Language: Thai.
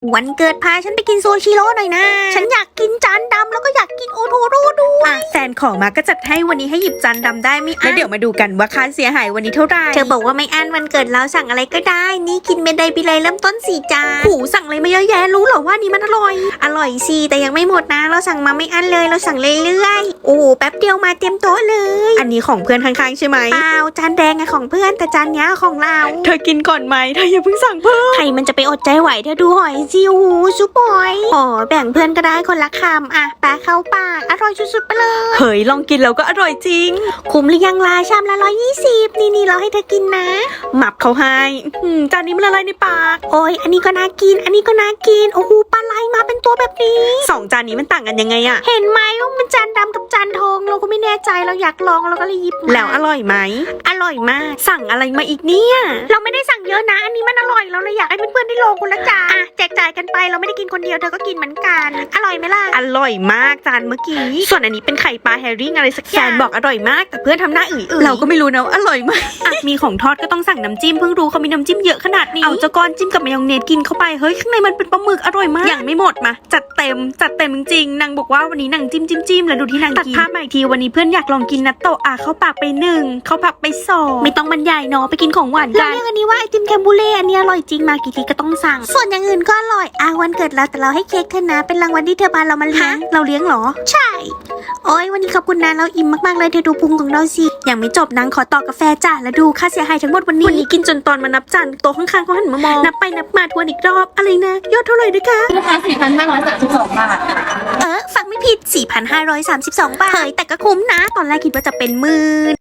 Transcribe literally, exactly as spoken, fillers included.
วันเกิดพาฉันไปกินซูชิโร่หน่อยนะฉันอยากกินจานดำแล้วก็อยากกินโอโทโร่ด้วยแฟนขอมาก็จัดให้วันนี้ให้หยิบจานดำได้ไม่อั้นแล้วเดี๋ยวมาดูกันว่าค่าเสียหายวันนี้เท่าไหร่เธอบอกว่าไม่อั้นวันเกิดเราสั่งอะไรก็ได้นี่กินเมนไดบิเลยเริ่มต้นสี่จานหูสั่งอะไรมาเยอะแยะรู้เหรอว่านี่มันอร่อยอร่อยสิแต่ยังไม่หมดนะเราสั่งมาไม่อั้นเลยเราสั่งเรื่อยๆโอ้แป๊บเดียวมาเตรียมโต๊ะเลยอันนี้ของเพื่อนข้างๆใช่ไหมเปล่าจานแดงไงของเพื่อนแต่จานนี้ของเราเธอกินก่อนไหมเธออย่าเพิ่งสั่งเพิ่มใครมันจะไปอดใจไหวเธอดูหอยซิวซุปหอยอ๋อแบ่งเพื่อนก็ได้คนละคำอ่ะปลาเข้าปากอร่อยสุดๆไปเลยเฮ้ยลองกินแล้วก็อร่อยจริงคุ้มหรือยังล่ะชามละร้อยยี่สิบนี่นี่เราให้เธอกินนะหมับเขาให้จานนี้มันละลายในปากโอ้ยอันนี้ก็น่ากินอันนี้ก็น่ากินโอ้โหปลาไหลมาเป็นตัวแบบนี้สองจานนี้มันต่างกันยังไงอะเห็นไหมว่ามันจานดำกับจานทองเราก็ไม่แน่ใจเราอยากลองเราก็เลยหยิบมาแล้วอร่อยไหมอร่อยมากสั่งอะไรมาอีกเนี่ยเราไม่ได้สั่งเยอะนะอันนี้มันอร่อยเราเลยอยากให้เพื่อนๆได้ลองคนละจานอ่ะแจกจ่ายกันไปเราไม่ได้กินคนเดียวเธอก็กินเหมือนกันอร่อยไหมล่ะอร่อยมากจานเมื่อกี้ส่วนอันนี้เป็นไข่ปลาแฮริ่งอะไรสักอย่างบอกอร่อยมากแต่เพื่อนทำหน้าอื่นๆเราก็ไม่รู้นะอร่อยไหมมีของทอดก็ต้องสั่งน้ำจิ้มเพิ่งรู้เขามีน้ำจิ้มเยอะขนาดนี้เอาจะก้อนจิ้มกับมายองเนสกินเข้าไปเฮ้ยข้างในมันเป็นปลาหมึกอร่อยมากยังไม่หมดมาจัดเต็มจัดเต็มจริงๆนางบอกว่าวันนี้นางจิ้มจิ้มจิ้มแล้วดูที่นางกินตัดภาพมาอีกทีวันนี้เพื่อนอยากลองกินนัตโตะอ่ะเข้าปากไปหนึ่งเข้าปากไปสองไม่ต้องบรรยายเนาะไปกินของหวานกันเราเรียกอันนี้ว่าไอติมแคมบูเล่อันนี้อร่อยจริงมากี่ทีก็ต้องสั่งส่วนอย่างอื่นก็อร่อยอ่ะวันเกิดเราแต่เราให้เค้กเธอนะเป็นรางวัลที่เธอพาเรามาเลี้ยงเราเลี้ยงหรอใช่โอ้ยวันนี้ขอบคุณนะเราอิ่มมากๆเลยเธอดูพุงของเราสิยังไม่จบนางขอต่อกาแฟจ้าแล้วดูค่าเสียหายทั้งหมดวันนี้วันนี้กินจนตอนมานับจานโต๊ะข้างๆเขาหันมามองนับไปนับมาทวนอีกรอบอะไรนะยอดเท่าไหร่นะคะราคา สี่พันห้าร้อยสามสิบสอง บาทเออฟังไม่ผิด สี่พันห้าร้อยสามสิบสอง บาทเฮ้ยแต่ก็คุ้มนะตอนแรกคิดว่าจะเป็นหมื่น